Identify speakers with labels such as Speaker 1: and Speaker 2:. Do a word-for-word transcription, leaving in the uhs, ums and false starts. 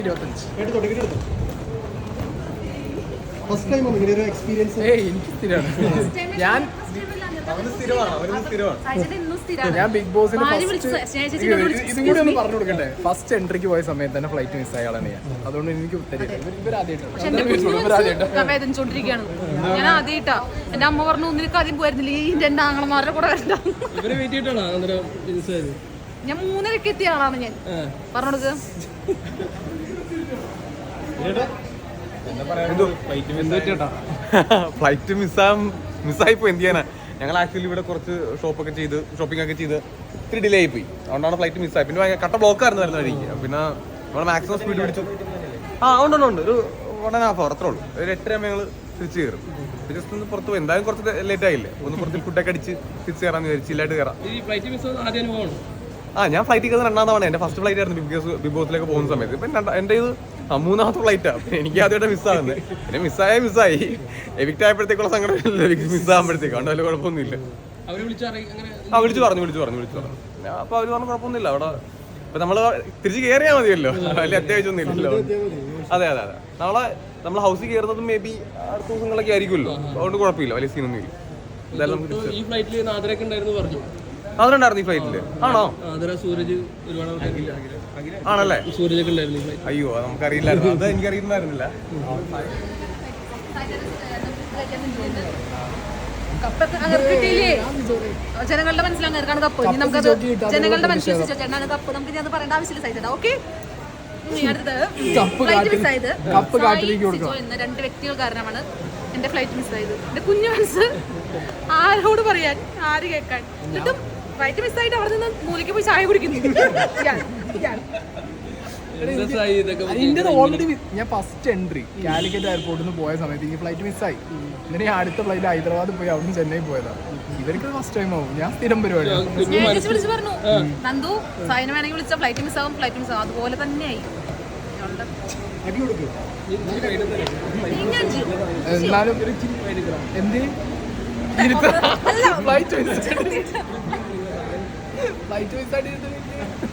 Speaker 1: ഞാൻ ഞാൻ ബിഗ് ബോസിന് ഇതും കൂടി ഒന്ന് പറഞ്ഞു കൊടുക്കണ്ടേ. ഫസ്റ്റ് എൻട്രിക്ക് പോയ സമയത്ത് തന്നെ ഫ്ലൈറ്റ് മിസ്സായ ആളാണ് ഞാൻ. അതുകൊണ്ട് എനിക്ക്
Speaker 2: വേദനിച്ചോണ്ടിരിക്കുകയാണ്. ഞാൻ ആദ്യമായിട്ടാ എന്റെ അമ്മ പറഞ്ഞു നിനക്ക് ആദ്യം പോയിരുന്നില്ല ഈ എന്റെ ആങ്ങളമാരുടെ കൂടെ വരണ്ട. ഞാൻ മൂന്നരക്ക് എത്തിയ ആളാണ് ഞാൻ. പറഞ്ഞോടുക്ക്
Speaker 3: ഫ്ലൈറ്റ് മിസ്സാ മിസ്സായിപ്പോ എന്ത് ചെയ്യാനാ. ഞങ്ങൾ ആക്ച്വലി ഇവിടെ കുറച്ച് ഷോപ്പൊക്കെ ചെയ്ത് ഷോപ്പിംഗ് ഒക്കെ ചെയ്ത് ഇത്തിരി ഡിലേ ആയിപ്പോയി. അതുകൊണ്ടാണ് ഫ്ലൈറ്റ് മിസ്സായി. പിന്നെ കട്ട ബ്ലോക്ക് ആയിരുന്നു വരുന്ന വഴിക്ക്. പിന്നെ നമ്മൾ മാക്സിമം സ്പീഡ് പിടിച്ചു. ആ ഉണ്ട് ഉണ്ട് ഉണ്ട് ഒരു വൺ ആൻഡ് ഹാഫ് അവർ അത്രേ ഉള്ളൂ. ഒരു എട്ടര ഞങ്ങൾ തിരിച്ച് കയറും. ജസ്റ്റ് ഒന്ന് പുറത്ത് പോയി എന്തായാലും കുറച്ച് ലേറ്റ് ആയില്ലേ. ഒന്ന് പുറത്ത് ഫുഡൊക്കെ അടിച്ച് തിരിച്ച് കയറാന്ന് വിചാരിച്ചു. ചില്ലായിട്ട് കയറാം. ആ ഞാൻ ഫ്ലൈറ്റ് കയറുന്ന രണ്ടാം തവണ. എൻ്റെ ഫസ്റ്റ് ഫ്ലൈറ്റ് ആയിരുന്നു ബിഗ് ബോസ് ബിഗ് ബോസിലേക്ക് പോകുന്ന സമയത്ത്. ഇപ്പം എൻ്റെ ഇത് മൂന്നാമത്തെ ഫ്ലൈറ്റാണ്. എനിക്ക് ആദ്യമായിട്ട് മിസ്സാകുന്നത്. പിന്നെ മിസ്സായ മിസ്സായി എവിക്റ്റ് ആയപ്പോഴത്തേക്കുള്ള സങ്കടം മിസ്സാകുമ്പോഴത്തേക്ക് അതുകൊണ്ട് വലിയ കുഴപ്പമൊന്നുമില്ല. ആ വിളിച്ചു പറഞ്ഞു വിളിച്ചു പറഞ്ഞു വിളിച്ചു പറഞ്ഞു അപ്പോൾ അവർ പറഞ്ഞു കുഴപ്പമൊന്നുമില്ല. അവിടെ ഇപ്പം നമ്മൾ തിരിച്ച് കയറിയാൽ മതിയല്ലോ. വലിയ അത്യാവശ്യമൊന്നും ഇല്ലല്ലോ. അതെ അതെ അതെ നാളെ നമ്മൾ ഹൗസിൽ കയറുന്നത് മേ ബി അടുത്ത ദിവസങ്ങളൊക്കെ ആയിരിക്കുമല്ലോ. അതുകൊണ്ട് കുഴപ്പമില്ല, വലിയ സീനൊന്നും ഇല്ല. എന്തായാലും നമുക്ക് അതുണ്ടായിരുന്നു ഈ ഫ്ലൈറ്റില്. ആണോ? ആണല്ലേ? അയ്യോ നമുക്കറിയില്ലായിരുന്നു. അത് എനിക്കറിയുന്നായിരുന്നില്ല.
Speaker 2: ജനങ്ങളുടെ മനസ്സിലാണ് കപ്പ്. ഇനി നമുക്കത് ജനങ്ങളുടെ മനസ്സിൽ ചേട്ടനാണ് കപ്പ്. നമുക്ക് അത് പറയേണ്ട ആവശ്യമില്ല. Side okay. ഇന്ന് രണ്ട് വ്യക്തികൾ കാരണമാണ് എന്റെ ഫ്ലൈറ്റ് മിസ്സായത്. എന്റെ കുഞ്ഞു മനസ്സ് ആരോട് പറയാൻ, ആര് കേൾക്കാൻ. എന്നിട്ടും ഫ്ലൈറ്റ് മിസ്സായിട്ട് അവിടെ നിന്ന് മൂലയ്ക്ക് പോയി ചായ കുടിക്കുന്നു.
Speaker 1: ഓൾറെഡി ഞാൻ ഫസ്റ്റ് എൻട്രി കാലിക്കറ്റ് എയർപോർട്ടിൽ നിന്ന് പോയ സമയത്ത് ഈ ഫ്ലൈറ്റ് മിസ്സായി. എന്നിട്ട് ഞാൻ അടുത്ത ഫ്ലൈറ്റ് ഹൈദരാബാദ് പോയി അവിടെ നിന്ന് ചെന്നൈ പോയതാണ്. ഇവർക്ക് ഫസ്റ്റ് ടൈം ആവും. ഞാൻ സ്ഥിരം പരിപാടിയാണ്.
Speaker 2: വിളിച്ചു പറഞ്ഞു നന്ദു സൈന വേണമെങ്കിൽ വിളിച്ച ഫ്ലൈറ്റ് മിസ്സാവും ഫ്ലൈറ്റ് മിസ്സാവും. അതുപോലെ തന്നെയായി.
Speaker 1: എന്നാലും എന്ത് ഫ്ലൈറ്റ് മിസ്സായിട്ട്